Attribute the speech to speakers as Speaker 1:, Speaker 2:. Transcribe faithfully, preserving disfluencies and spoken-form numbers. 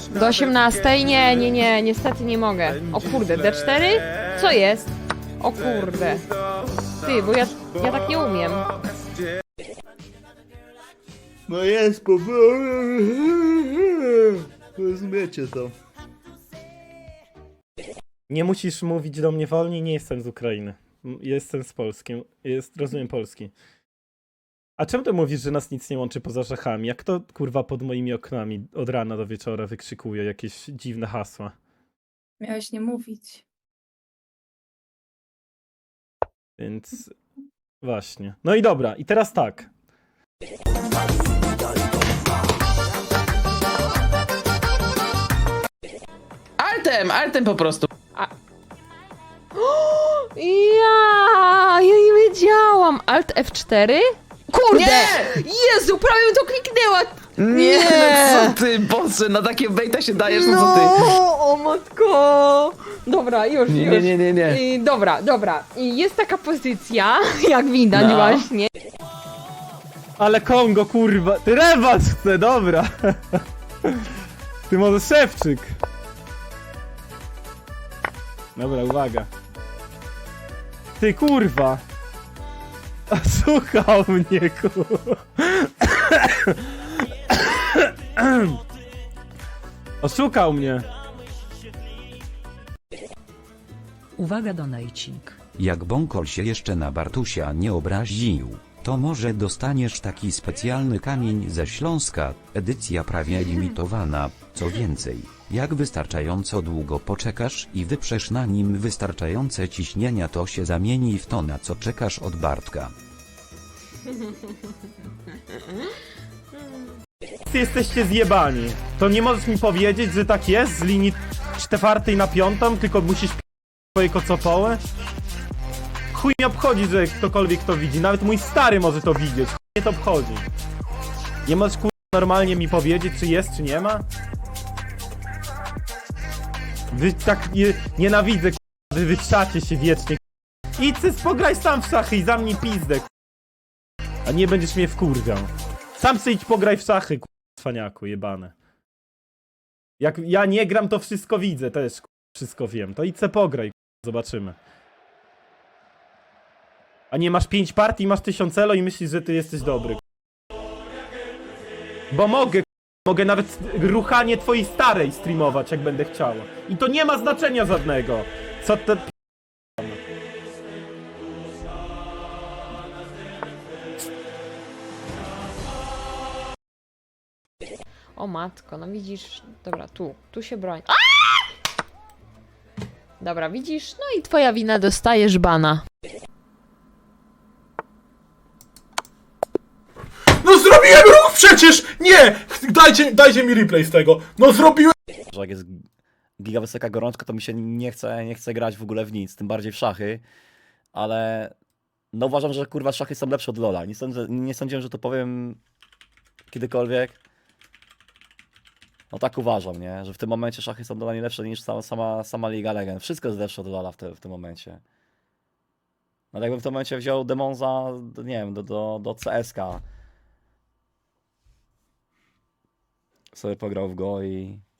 Speaker 1: Do osiemnastej? Nie, nie, nie, niestety nie mogę. O kurde, D cztery? Co jest? O kurde. Ty, bo ja, ja tak nie umiem.
Speaker 2: No jest, po... Rozumiecie to.
Speaker 3: Nie musisz mówić do mnie wolniej, nie jestem z Ukrainy. M- Jestem z Polski. Jest, rozumiem polski. A czemu ty mówisz, że nas nic nie łączy poza Czechami? Jak to kurwa pod moimi oknami od rana do wieczora wykrzykuje jakieś dziwne hasła?
Speaker 4: Miałeś nie mówić.
Speaker 3: Więc właśnie. No i dobra, i teraz tak.
Speaker 5: Altem, altem po prostu.
Speaker 1: Ja, ja nie wiedziałam. Alt F cztery? Kurde!
Speaker 5: Nie!
Speaker 1: Jezu, prawie bym to kliknęła!
Speaker 5: Nie,
Speaker 1: Nie.
Speaker 5: no co ty, Boże, na takie bejta się dajesz, no co ty?
Speaker 1: No, o matko! Dobra, już,
Speaker 5: Nie,
Speaker 1: już.
Speaker 5: nie, nie, nie, nie.
Speaker 1: I, dobra, dobra. I jest taka pozycja, jak widać
Speaker 5: No.
Speaker 1: właśnie.
Speaker 3: Ale Kongo, kurwa. Ty rewanż chce, dobra. Ty może Szewczyk. Dobra, uwaga. Ty kurwa. Słuchał mnie, kurwa. Oszukał mnie.
Speaker 6: Uwaga donating.
Speaker 7: Jak Bąkol się jeszcze na Bartusia nie obraził, to może dostaniesz taki specjalny kamień ze Śląska, edycja prawie limitowana. Co więcej, jak wystarczająco długo poczekasz i wyprzesz na nim wystarczające ciśnienia, to się zamieni w to, na co czekasz od Bartka.
Speaker 3: Wszyscy jesteście zjebani. To nie możesz mi powiedzieć, że tak jest z linii czwartej na piątą, tylko musisz p- swoje kocopoły? Chuj mnie obchodzi, że ktokolwiek to widzi. Nawet mój stary może to widzieć. Chuj mnie to obchodzi. Nie możesz kur... normalnie mi powiedzieć, czy jest, czy nie ma? Wy tak nie... nienawidzę, kur... wy wytrzacie się wiecznie. Kur... Idź se pograj sam w szachy i zamknij pizdę, kur... a nie będziesz mnie wkurwiał. Sam sobie idź pograj w szachy, kur... cwaniaku, jebane. Jak ja nie gram, to wszystko widzę, też kur... wszystko wiem. To idź se pograj, kur... zobaczymy. A nie masz pięć partii, masz tysiąc elo i myślisz, że ty jesteś dobry. Bo mogę, mogę nawet ruchanie twojej starej streamować, jak będę chciał. I to nie ma znaczenia żadnego. Co te...
Speaker 1: O matko, no widzisz. Dobra, tu, tu się broń. A! Dobra, widzisz? No i twoja wina, dostajesz bana.
Speaker 2: No zrobiłem ruch przecież! Nie! Dajcie, dajcie mi replay z tego. No zrobiłem...
Speaker 8: Że jak jest giga wysoka gorączka, to mi się nie chce, nie chce grać w ogóle w nic, tym bardziej w szachy, ale no uważam, że kurwa szachy są lepsze od LoL'a. Nie, sądzę, nie sądziłem, że to powiem kiedykolwiek. No tak uważam, nie? Że w tym momencie szachy są dla mnie lepsze niż sama, sama, sama Liga Legend. Wszystko jest lepsze od LoL'a w, te, w tym momencie. No jakbym w tym momencie wziął Demonza, nie wiem, do, do, do C S K. Sobie pograł w go i